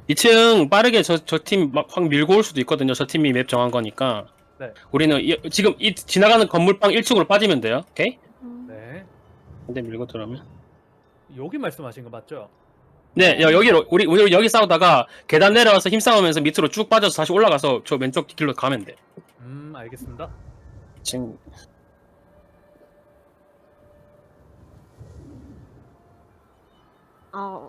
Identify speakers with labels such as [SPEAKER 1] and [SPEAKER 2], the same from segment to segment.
[SPEAKER 1] 2층 빠르게 저 팀 막 확 밀고 올 수도 있거든요. 저 팀이 맵 정한 거니까.
[SPEAKER 2] 네.
[SPEAKER 1] 우리는 지금 이 지나가는 건물방 1층으로 빠지면 돼요. 오케이?
[SPEAKER 2] 네.
[SPEAKER 1] 근데 밀고 들어오면.
[SPEAKER 2] 여기 말씀하신 거 맞죠?
[SPEAKER 1] 네, 여기로 우리 여기 싸우다가 계단 내려와서 힘 싸우면서 밑으로 쭉 빠져서 다시 올라가서 저 왼쪽 길로 가면 돼.
[SPEAKER 2] 알겠습니다.
[SPEAKER 1] 지금
[SPEAKER 3] 아,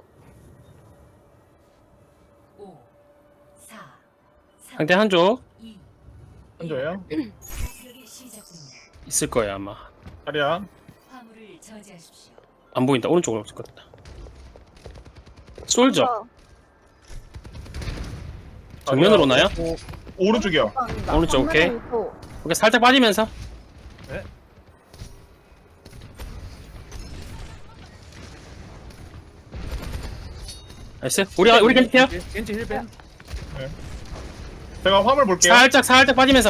[SPEAKER 4] 5, 4, 3,
[SPEAKER 1] 상대 한쪽
[SPEAKER 4] 2,
[SPEAKER 5] 한조예요?
[SPEAKER 4] 공격이 시작됩니다.
[SPEAKER 1] 있을 거예요 아마.
[SPEAKER 5] 자리야.
[SPEAKER 4] 화물을 저지하십시오.
[SPEAKER 1] 안 보인다. 오른쪽으로 없을 것 같다. 솔저 정면으로 오나요?
[SPEAKER 5] 오른쪽이요.
[SPEAKER 1] 오른쪽, 오케이. 오케이 살짝 빠지면서.
[SPEAKER 2] 네.
[SPEAKER 1] 나이스. 우리 겐지해요.
[SPEAKER 2] 겐지 힐벤.
[SPEAKER 5] 제가 화물 볼게요.
[SPEAKER 1] 살짝 빠지면서.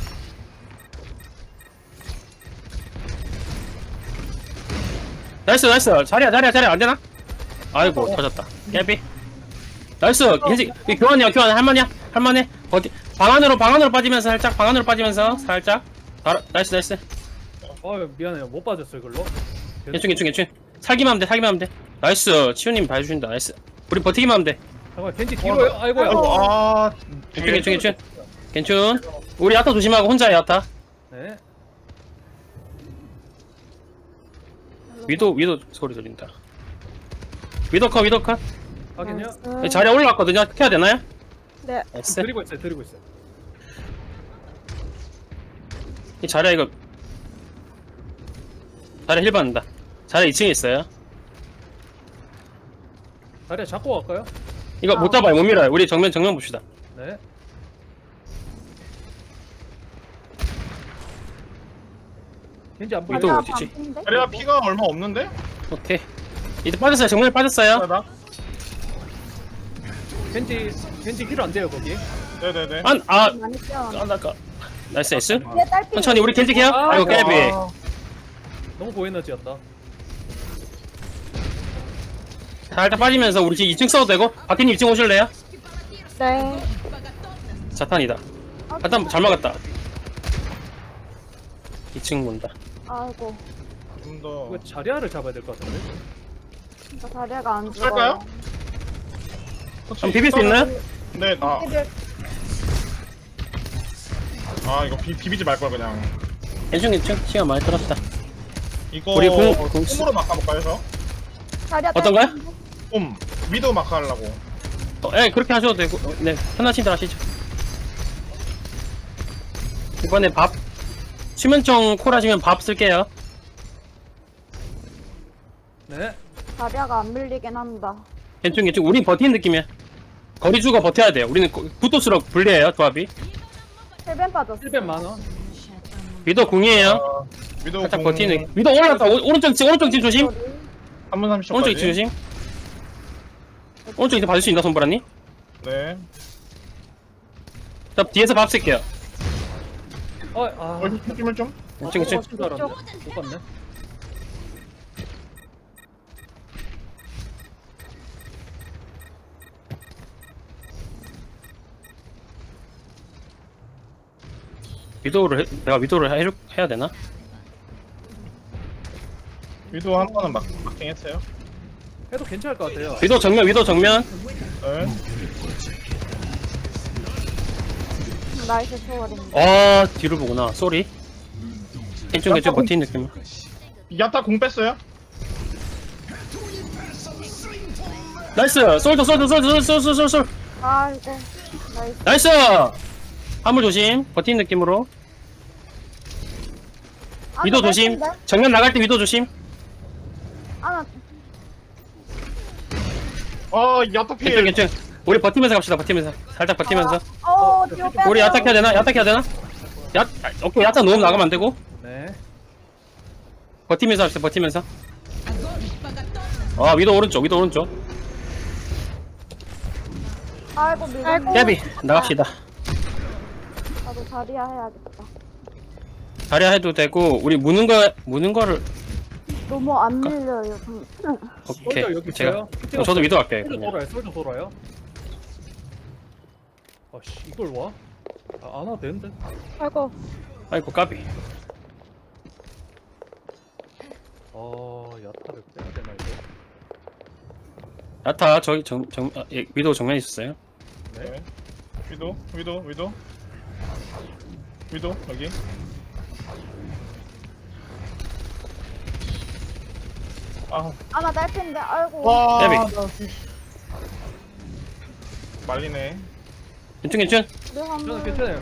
[SPEAKER 1] 나이스. 자리야 안 되나? 아이고 터졌다. 깨비. 나이스. 겐지 교환이야. 할만해. 어디 방 안으로 빠지면서 살짝 살짝. 나이스.
[SPEAKER 2] 미안해요. 못 빠졌어요, 이걸로.
[SPEAKER 1] 괜찮. 살기만 하면 돼. 나이스. 치우님 봐주신다. 나이스. 우리 버티기만 하면 돼.
[SPEAKER 2] 잠깐만, 겐지 뒤로요? 아이고야.
[SPEAKER 1] 괜찮. 우리 야타 조심하고 혼자야 야타.
[SPEAKER 2] 네.
[SPEAKER 1] 위도 소리 들린다. 위도 컷.
[SPEAKER 2] 확인요.
[SPEAKER 1] 자리에 올라왔거든요. 켜야 되나요?
[SPEAKER 3] 네.
[SPEAKER 1] 나이스.
[SPEAKER 2] 드리고 있어요.
[SPEAKER 1] 이 자리야 이거. 자리야 힐 받는다. 자리야 2층에 있어요.
[SPEAKER 2] 자리야 잡고 갈까요?
[SPEAKER 1] 이거 못 잡아요. 못 밀어요. 우리 정면 봅시다.
[SPEAKER 2] 네. 겐지 안
[SPEAKER 1] 위도
[SPEAKER 2] 보이죠?
[SPEAKER 1] 어디지?
[SPEAKER 5] 자리야 피가 얼마 없는데?
[SPEAKER 1] 오케이. 이제 빠졌어요. 정면에 빠졌어요.
[SPEAKER 5] 자다.
[SPEAKER 2] 겐지 힐 안 돼요, 거기.
[SPEAKER 5] 네네네.
[SPEAKER 3] 많이 뛰어.
[SPEAKER 1] 나이스.
[SPEAKER 3] 뒤에 딸피.
[SPEAKER 1] 천천히 우리 겐지 케어. 아이고 깨비.
[SPEAKER 2] 너무 고에너지였다.
[SPEAKER 1] 살짝 빠지면서 우리 지금 2층 써도 되고. 바퀴님 2층 오실래요?
[SPEAKER 3] 네.
[SPEAKER 1] 자탄이다. 자탄 잘 막았다. 2층 본다.
[SPEAKER 3] 아이고.
[SPEAKER 5] 좀 더.
[SPEAKER 2] 이거 자리아를 잡아야 될 것 같은데.
[SPEAKER 3] 진짜 자리가 안
[SPEAKER 5] 할까요?
[SPEAKER 3] 죽어요.
[SPEAKER 1] 그럼 비빌 수 있나요?
[SPEAKER 5] 네.
[SPEAKER 3] 피들
[SPEAKER 5] 이거 비비지 말 걸 그냥.
[SPEAKER 1] 괜찮. 시간 많이 끌었다.
[SPEAKER 5] 이거
[SPEAKER 1] 우리 공-
[SPEAKER 5] 홈으로 막아볼까요, 저?
[SPEAKER 3] 자리야
[SPEAKER 1] 어떤가요?
[SPEAKER 3] 딸피.
[SPEAKER 5] 홈. 위도 막하려고.
[SPEAKER 1] 그렇게 하셔도 되고. 네, 편하신 대로 하시죠. 이번에 밥. 수면총 콜 하시면 밥 쓸게요.
[SPEAKER 2] 네.
[SPEAKER 3] 자리야가 안 밀리긴 한다.
[SPEAKER 1] 괜찮. 우린 버티는 느낌이야. 거리 주고 버텨야 돼요. 우리는 붙을수록 불리해요, 조합이.
[SPEAKER 3] 힐벤 빠졌어.
[SPEAKER 2] 힐벤 만원.
[SPEAKER 1] 위도 공이에요.
[SPEAKER 5] 위도
[SPEAKER 1] 살짝 버티는 느낌. 위도 올라갔다. 오른쪽 집 조심.
[SPEAKER 5] 3분 30초까지.
[SPEAKER 1] 오른쪽 집 조심. 오른쪽 집 봐줄 수 있나, 손보라님?
[SPEAKER 5] 네.
[SPEAKER 1] 자, 뒤에서 밥 쓸게요.
[SPEAKER 5] 힘을 좀.
[SPEAKER 1] 괜찮.
[SPEAKER 2] 못 봤네.
[SPEAKER 1] 내가 위도를 해야 되나?
[SPEAKER 5] 위도 한 번은 막킹 했어요.
[SPEAKER 2] 해도 괜찮을 것 같아요.
[SPEAKER 1] 위도 정면.
[SPEAKER 5] 네.
[SPEAKER 3] 나이스 초월인데.
[SPEAKER 1] 뒤를 보구나. 쏘리. 괜찮. 버티는 느낌.
[SPEAKER 5] 야타 공 뺐어요?
[SPEAKER 1] 나이스! 솔.
[SPEAKER 3] 아이고. 나이스.
[SPEAKER 1] 나이스! 화물 조심. 버티는 느낌으로. 위도 조심. 정면 나갈 때 위도 조심.
[SPEAKER 3] 아,
[SPEAKER 5] 야타 피해.
[SPEAKER 1] 괜찮. 우리 버티면서 갑시다. 살짝 버티면서.
[SPEAKER 3] 뒤로 빼.
[SPEAKER 1] 우리 야타 켜야 되나? 오케이. 야타 너무 나가면 안 되고.
[SPEAKER 2] 네.
[SPEAKER 1] 버티면서 합시다. 위도 오른쪽.
[SPEAKER 3] 아이고 밀고.
[SPEAKER 1] 깨비. 나갑시다.
[SPEAKER 3] 나도 자리야 해야겠다.
[SPEAKER 1] 자리야 해도 되고, 우리 무는 거를.
[SPEAKER 3] 너무 안 밀려요.
[SPEAKER 1] 오케이.
[SPEAKER 2] 솔저 여기 있어요.
[SPEAKER 1] 저도 위도 갈게요.
[SPEAKER 2] 솔저
[SPEAKER 1] 그냥.
[SPEAKER 2] 돌아요. 아씨 이걸 와? 안 와도 되는데.
[SPEAKER 3] 아이고.
[SPEAKER 1] 아이고 까비.
[SPEAKER 2] 야타를 빼야 되나 이거?
[SPEAKER 1] 야타 저기 위도 정면에 있었어요.
[SPEAKER 5] 네. 위도 여기. 아,
[SPEAKER 3] 아나 딸핀데 아이고.
[SPEAKER 5] 와.
[SPEAKER 1] 데뷔.
[SPEAKER 5] 말리네.
[SPEAKER 1] 괜춘.
[SPEAKER 3] 우리
[SPEAKER 2] 저는
[SPEAKER 3] 화물
[SPEAKER 2] 괜찮아요.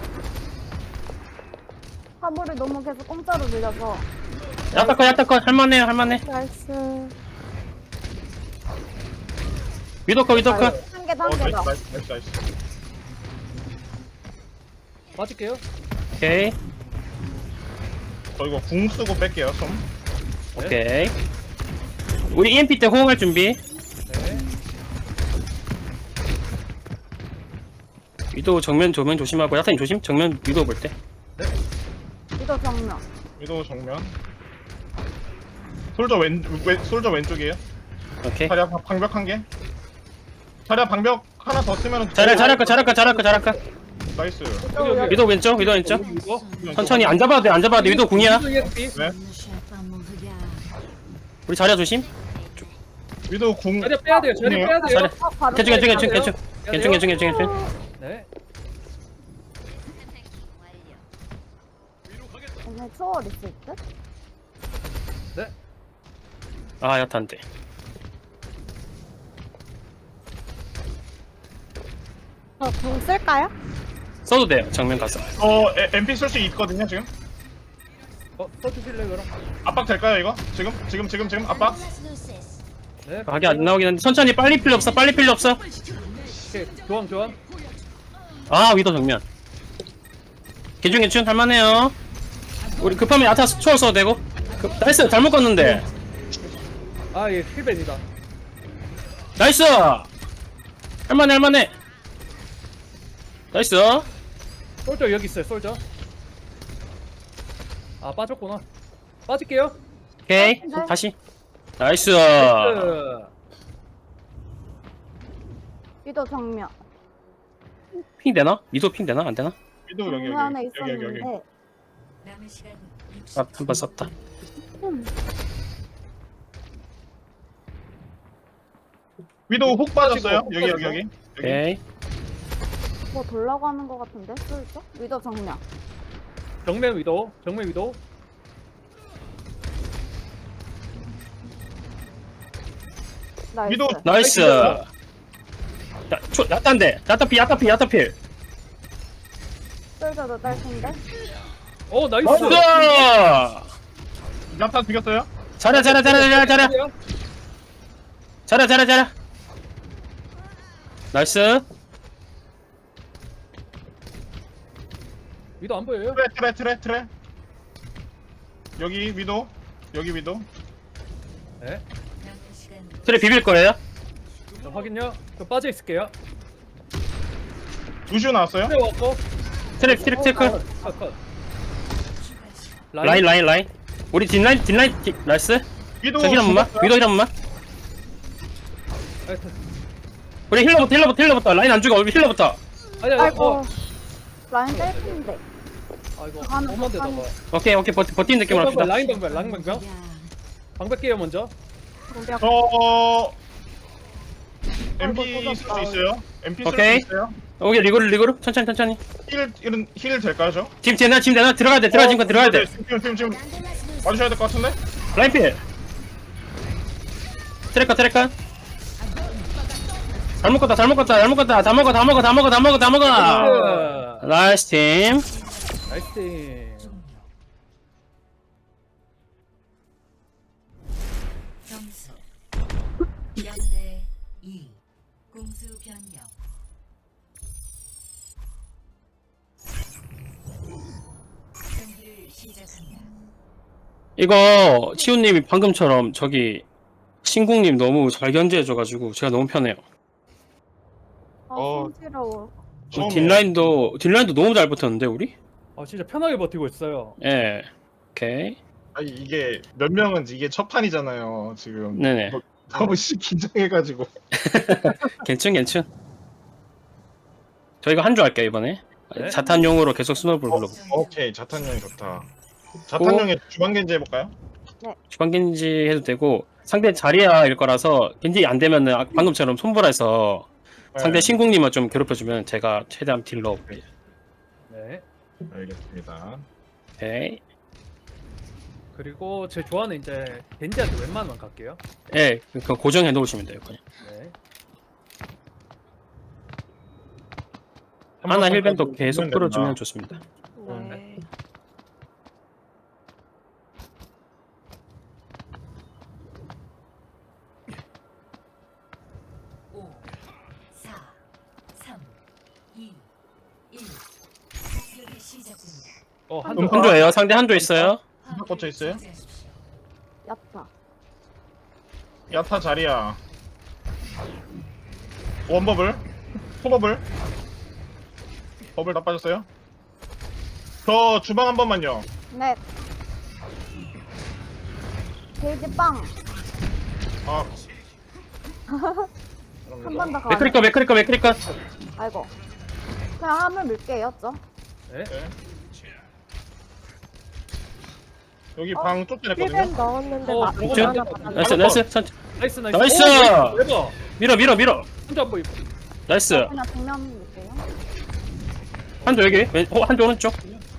[SPEAKER 3] 화물이 너무 계속 공짜로 밀려서.
[SPEAKER 1] 야타 컷 할만해요.
[SPEAKER 3] 나이스.
[SPEAKER 1] 위도 컷.
[SPEAKER 3] 한 개
[SPEAKER 5] 어,
[SPEAKER 3] 단계다.
[SPEAKER 5] 나이스.
[SPEAKER 2] 빠질게요.
[SPEAKER 1] 오케이.
[SPEAKER 5] 저 이거 궁 쓰고 뺄게요, 좀.
[SPEAKER 1] 오케이. 우리 EMP 때 호응할 준비.
[SPEAKER 2] 네.
[SPEAKER 1] 위도 정면 조심하고 야타님 조심. 정면 위도 볼 때.
[SPEAKER 3] 이거 정면.
[SPEAKER 5] 위도 정면. 솔저 왼쪽이에요.
[SPEAKER 1] 오케이.
[SPEAKER 5] 자리야 방벽 한 개. 자리야 방벽 하나 더 쓰면
[SPEAKER 1] 잘할 거.
[SPEAKER 5] 나이스.
[SPEAKER 2] 여기.
[SPEAKER 1] 위도 왼쪽.
[SPEAKER 2] 이거?
[SPEAKER 1] 천천히 안 잡아도 돼. 위도 궁이야.
[SPEAKER 2] EXP.
[SPEAKER 5] 네.
[SPEAKER 1] 우리 자리야 조심.
[SPEAKER 5] 위도 궁.
[SPEAKER 2] 자리 빼야 돼요. 자리
[SPEAKER 5] 궁이에요?
[SPEAKER 2] 빼야 돼요.
[SPEAKER 1] 자리.
[SPEAKER 3] 바로
[SPEAKER 1] 괜춘.
[SPEAKER 3] 오늘 초월 있을 듯?
[SPEAKER 2] 네.
[SPEAKER 1] 아 야타 안 돼.
[SPEAKER 3] 공 쓸까요?
[SPEAKER 1] 써도 돼요. 정면 가서.
[SPEAKER 5] MP 쓸 수 있거든요 지금.
[SPEAKER 2] 써주실래요 그럼?
[SPEAKER 5] 압박 될까요 이거? 지금 압박.
[SPEAKER 2] 네.
[SPEAKER 1] 각이 안 나오긴 한데 천천히 빨리 필요 없어.
[SPEAKER 2] 오케이. 교환.
[SPEAKER 1] 아 위도 정면. 괜춘 할만해요. 우리 급하면 야타 초월 써도 되고. 나이스 잘못 껐는데.
[SPEAKER 2] 예, 힐벤이다.
[SPEAKER 1] 나이스. 할만해. 나이스.
[SPEAKER 2] 솔저 여기 있어요. 솔저. 빠졌구나. 빠질게요.
[SPEAKER 1] 오케이.
[SPEAKER 3] 네.
[SPEAKER 1] 다시. 나이스.
[SPEAKER 3] 위도 정면.
[SPEAKER 1] 핑 되나? 위도 핑 되나? 안 되나?
[SPEAKER 5] 위도 여기.
[SPEAKER 3] 정면에 있었는데.
[SPEAKER 4] 남은 시간
[SPEAKER 1] 아, 한 번 썼다.
[SPEAKER 5] 위도 훅 빠졌어요. 여기.
[SPEAKER 1] 오케이.
[SPEAKER 3] 뭐 돌라고 하는 것 같은데? 쓸죠? 위도 정면.
[SPEAKER 2] 정면 위도.
[SPEAKER 3] 나이스.
[SPEAKER 5] 위도
[SPEAKER 1] 나이스. 야탄데. 야타필.
[SPEAKER 3] 쓸져도 딸핀데?
[SPEAKER 2] 나이스.
[SPEAKER 1] 나이스.
[SPEAKER 5] 야타 죽였어요.
[SPEAKER 1] 잘해. 나이스.
[SPEAKER 2] 위도 안 보여요?
[SPEAKER 5] 트레. 여기 위도.
[SPEAKER 2] 네.
[SPEAKER 4] 남은 시간
[SPEAKER 1] 트레 비빌 거예요?
[SPEAKER 2] 자, 확인요. 저 빠져 있을게요.
[SPEAKER 5] 루시오 나왔어요.
[SPEAKER 2] 트레 왔고.
[SPEAKER 1] 트레 컷.
[SPEAKER 2] 컷.
[SPEAKER 1] 라인. 우리 뒷라인 나이스.
[SPEAKER 5] 위도
[SPEAKER 1] 저 힐 한 번만.
[SPEAKER 5] 죽었어요.
[SPEAKER 1] 위도 힐 한 번만. 우리 힐러부터. 라인 안 죽어. 우리 힐러부터.
[SPEAKER 3] 아이고. 라인 딸핀데.
[SPEAKER 2] 아이고.
[SPEAKER 3] 가는
[SPEAKER 2] 엄만 데다가.
[SPEAKER 3] 가는.
[SPEAKER 1] 오케이. 버티는 느낌으로 합시다.
[SPEAKER 2] 라인 방벽. 방벽 깨요 먼저.
[SPEAKER 3] 공격.
[SPEAKER 5] MP 쓸 수 있어요. MP 쓸 수
[SPEAKER 1] 오케이.
[SPEAKER 5] 있어요.
[SPEAKER 1] 오케이. 리그로. 천천히.
[SPEAKER 5] 힐 될까요 저?
[SPEAKER 1] 지금 되나? 들어가야 돼. 들어가야 돼.
[SPEAKER 5] 지금 와주셔야 될 것 같은데?
[SPEAKER 1] 라인필. 트레카. 잘 먹었다. 다 먹어. 나이스 팀.
[SPEAKER 2] 나이스 팀.
[SPEAKER 4] 점수 0대 2 공수 변경 경기를 시작합니다.
[SPEAKER 1] 이거 치우님이 방금처럼 저기 신궁님 너무 잘 견제해줘가지고 제가 너무 편해요.
[SPEAKER 3] 손지러워.
[SPEAKER 1] 뒷라인도 너무 잘 붙었는데 우리?
[SPEAKER 2] 진짜 편하게 버티고 있어요.
[SPEAKER 1] 예. 오케이.
[SPEAKER 5] 아니 이게 몇 명은 이게 첫 판이잖아요 지금.
[SPEAKER 1] 네네.
[SPEAKER 5] 너무 긴장해가지고.
[SPEAKER 1] 괜춘. 저희가 한 줄 할게요 이번에.
[SPEAKER 2] 네.
[SPEAKER 1] 자탄용으로 계속 스노우볼 불러볼게요.
[SPEAKER 5] 오케이 자탄형이 좋다. 자탄형에 주방겐지 해볼까요?
[SPEAKER 1] 주방겐지 해도 되고 상대 자리아일 거라서 겐지 안 되면은 방금처럼 손보라해서 상대
[SPEAKER 5] 네.
[SPEAKER 1] 신궁님을 좀 괴롭혀주면 제가 최대한 딜 넣어볼게요.
[SPEAKER 2] 네.
[SPEAKER 5] 알겠습니다.
[SPEAKER 1] 오케이.
[SPEAKER 2] 그리고 제 조화는 이제 겐지한테 웬만하면 갈게요.
[SPEAKER 1] 예, 그 고정해 놓으시면 돼요. 그냥.
[SPEAKER 2] 네.
[SPEAKER 1] 하나 힐밴도
[SPEAKER 5] 번
[SPEAKER 1] 계속
[SPEAKER 5] 보면
[SPEAKER 1] 풀어주면
[SPEAKER 5] 된다.
[SPEAKER 1] 좋습니다.
[SPEAKER 3] 네.
[SPEAKER 4] 오, 4, 3, 2, 1. 공격이 시작됩니다.
[SPEAKER 2] 한조.
[SPEAKER 1] 한조예요. 상대 한조 있어요.
[SPEAKER 5] 꽂혀 있어요?
[SPEAKER 4] 차지하십시오.
[SPEAKER 3] 야타.
[SPEAKER 5] 야타 자리야. 원버블, 포버블, 버블 다 빠졌어요? 저 주방 한 번만요.
[SPEAKER 3] 네. 게이지 빵.
[SPEAKER 5] 아.
[SPEAKER 3] 한 번 더 가.
[SPEAKER 1] 맥크리커.
[SPEAKER 3] 아이고. 그냥 화물 밀게요, 죠?
[SPEAKER 2] 네.
[SPEAKER 5] 네. 여기 방 쫓겨냈거든요.
[SPEAKER 3] 1벤 넣었는데
[SPEAKER 2] 어,
[SPEAKER 3] 나
[SPEAKER 2] 들어가.
[SPEAKER 3] 이거 하나 받았네.
[SPEAKER 1] 나이스. 천천히.
[SPEAKER 2] 나이스.
[SPEAKER 1] 나이스!
[SPEAKER 2] 오, 대박.
[SPEAKER 1] 밀어.
[SPEAKER 2] 한조 한번 입.
[SPEAKER 1] 나이스.
[SPEAKER 3] 그냥 정면 밀게요.
[SPEAKER 1] 한조 여기. 한조 오른쪽.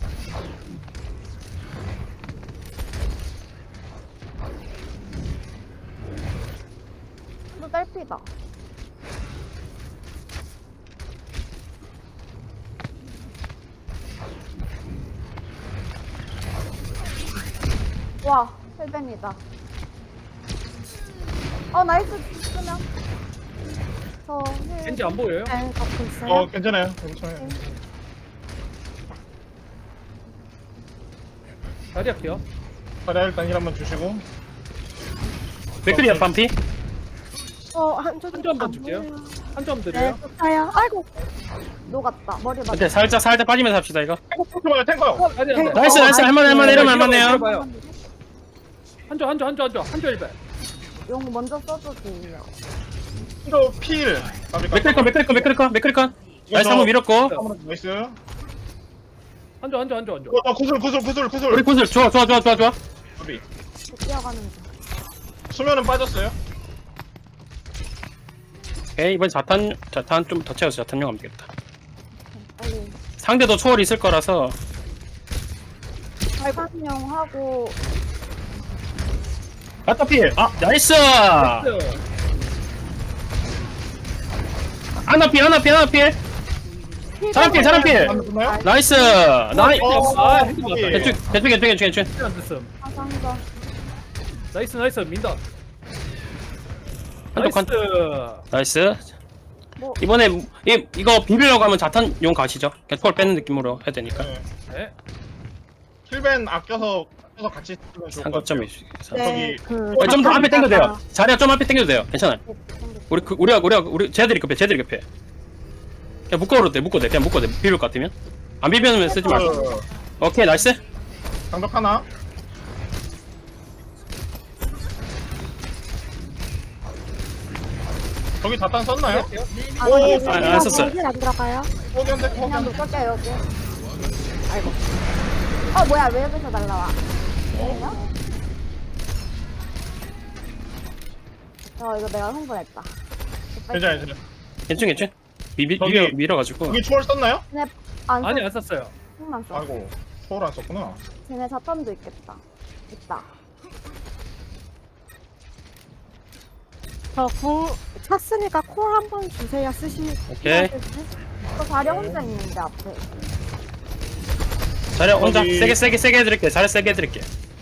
[SPEAKER 3] 또 딸피다. 와, 헬벤이다. 나이스 쓰면. 저 힐.
[SPEAKER 2] 겐지 안 보여요?
[SPEAKER 3] 네, 갖고 있어요.
[SPEAKER 5] 괜찮아요. 괜찮아요.
[SPEAKER 2] 자리 할게요.
[SPEAKER 5] 자리야 일단 힐 한번 주시고.
[SPEAKER 1] 맥크리야 반피.
[SPEAKER 3] 한조
[SPEAKER 2] 한조 한번 줄게요. 한조 한번
[SPEAKER 3] 네,
[SPEAKER 2] 드려요.
[SPEAKER 3] 좋아요. 아이고. 녹았다. 머리 맞았다.
[SPEAKER 1] 근데 살짝 빠지면서 합시다 이거.
[SPEAKER 5] 탱커요, 탱커요.
[SPEAKER 2] 자리 한 대.
[SPEAKER 1] 나이스. 할만해. 이러면 할만해요.
[SPEAKER 2] 들어봐요. 한조 1벤.
[SPEAKER 3] 용 먼저 써도 돼요.
[SPEAKER 5] 이거 필.
[SPEAKER 1] 맥크리커. 나이스 한번 밀었고.
[SPEAKER 5] 나이스.
[SPEAKER 2] 한조.
[SPEAKER 5] 구슬.
[SPEAKER 1] 우리 구슬 좋아.
[SPEAKER 5] 우리
[SPEAKER 3] 뛰어가는 중.
[SPEAKER 5] 수면은 빠졌어요.
[SPEAKER 1] 오케이 이번 자탄 좀 더 채워서 자탄용 하면 되겠다.
[SPEAKER 3] 빨리.
[SPEAKER 1] 상대도 초월 있을 거라서
[SPEAKER 3] 발광용 하고
[SPEAKER 1] 아타필. 나이스. 하나필. 자랑필.
[SPEAKER 5] 맞나요?
[SPEAKER 1] 나이스. 대충.
[SPEAKER 2] 안 됐음.
[SPEAKER 3] 화상전.
[SPEAKER 2] 나이스. 민다.
[SPEAKER 1] 한쪽 간.
[SPEAKER 2] 나이스.
[SPEAKER 1] 나이스.
[SPEAKER 3] 뭐
[SPEAKER 1] 이번에 이거 비비려고 하면 자탄용 가시죠. 그냥 초월 빼는 느낌으로 해야 되니까.
[SPEAKER 5] 네.
[SPEAKER 2] 네.
[SPEAKER 5] 힐벤 아껴서 같이 쓰면 좋을 것 같아요.
[SPEAKER 1] 상거점이 있어.
[SPEAKER 3] 네,
[SPEAKER 1] 좀 더 앞에 당겨도 돼요. 자리야 좀 앞에 당겨도 돼요. 괜찮아요. 우리 쟤들이 급해. 그냥 묶어도 돼. 그냥 묶어도 돼. 비빌 것 같으면. 안 비비면 쓰지 말고. 오케이 나이스.
[SPEAKER 5] 장벽 하나. 저기 자탄 썼나요? 오,
[SPEAKER 1] 안 썼어요.
[SPEAKER 3] 안 들어가요?
[SPEAKER 5] 포기한데
[SPEAKER 3] 그냥
[SPEAKER 5] 포기한데.
[SPEAKER 3] 묶을게요 여기. 아이고. 뭐야 왜 여기서 날라와? 그래요? 이거 내가 흥분했다.
[SPEAKER 5] 괜찮아요.
[SPEAKER 1] 괜찮.
[SPEAKER 5] 저기-
[SPEAKER 1] 밀어가지고.
[SPEAKER 5] 여기 초월 썼나요?
[SPEAKER 3] 안
[SPEAKER 2] 아니 안 썼어요.
[SPEAKER 3] 흥만 써.
[SPEAKER 5] 아이고 초월 안 썼구나.
[SPEAKER 3] 쟤네 자탄도 있겠다. 있다.
[SPEAKER 6] 저궁 찼으니까 콜 한 번 주세요.
[SPEAKER 1] 오케이.
[SPEAKER 3] 또 자리 혼자 있는데 앞에.
[SPEAKER 1] 자리야 혼자
[SPEAKER 5] 거기-
[SPEAKER 1] 세게 해드릴게. 자리 세게 해드릴게.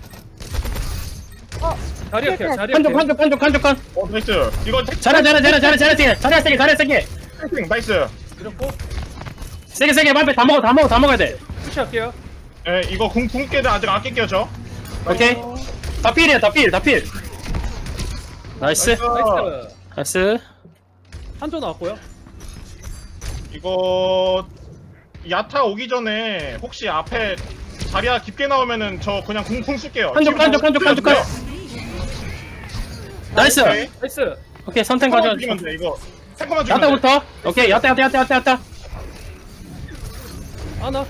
[SPEAKER 2] 자리 할게요.
[SPEAKER 1] 한쪽.
[SPEAKER 5] 나이스. 이거
[SPEAKER 1] 자리야 세게.
[SPEAKER 5] 나이스.
[SPEAKER 2] 그렇고
[SPEAKER 1] 세게 앞에 다 먹어야 돼.
[SPEAKER 2] 푸시할게요.
[SPEAKER 5] 예, 이거 궁깨를 아직 아낄게요 저.
[SPEAKER 1] 오케이. 다 필이야. 나이스.
[SPEAKER 2] 나이스.
[SPEAKER 1] 나이스.
[SPEAKER 2] 한조 나왔고요.
[SPEAKER 5] 이거 야타 오기 전에 혹시 앞에 자리야 깊게 나오면은 저 그냥 궁 쓸게요.
[SPEAKER 1] 한쪽. 나이스.
[SPEAKER 5] 오케이.
[SPEAKER 2] 나이스.
[SPEAKER 1] 오케이 선택
[SPEAKER 5] 탱커만
[SPEAKER 1] 가져.
[SPEAKER 5] 죽이면 돼 이거. 탱커만 죽이면 돼.
[SPEAKER 1] 야타부터. 오케이 야타.
[SPEAKER 2] 하나.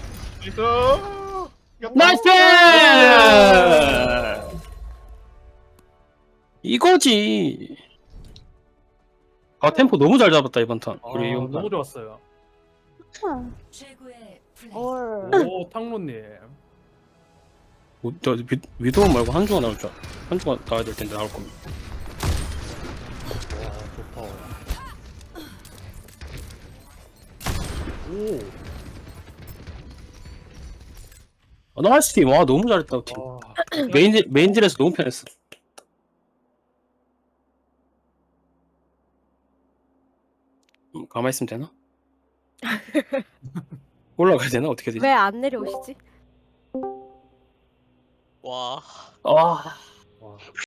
[SPEAKER 5] 나이스.
[SPEAKER 1] 나이스! 이거지. 아 템포 너무 잘 잡았다 이번 턴. 우리
[SPEAKER 2] 아,
[SPEAKER 1] 용판.
[SPEAKER 2] 너무 좋았어요.
[SPEAKER 4] 최고의 플레이.
[SPEAKER 3] 헐.
[SPEAKER 2] 오, 탕로님.
[SPEAKER 1] 저 위도우 말고 한주가 나올 줄 알아. 한주가 나와야 될 텐데 나올 겁니다.
[SPEAKER 2] 와, 좋다. 오.
[SPEAKER 1] 아, 나이스 팀. 와 너무 잘했다 팀.
[SPEAKER 2] 와.
[SPEAKER 1] 메인질에서 너무 편했어. 가만히 있으면 되나? 올라가야 되나? 어떻게 되지?
[SPEAKER 6] 왜 안 내려오시지?
[SPEAKER 7] 와.
[SPEAKER 1] 아
[SPEAKER 2] 와.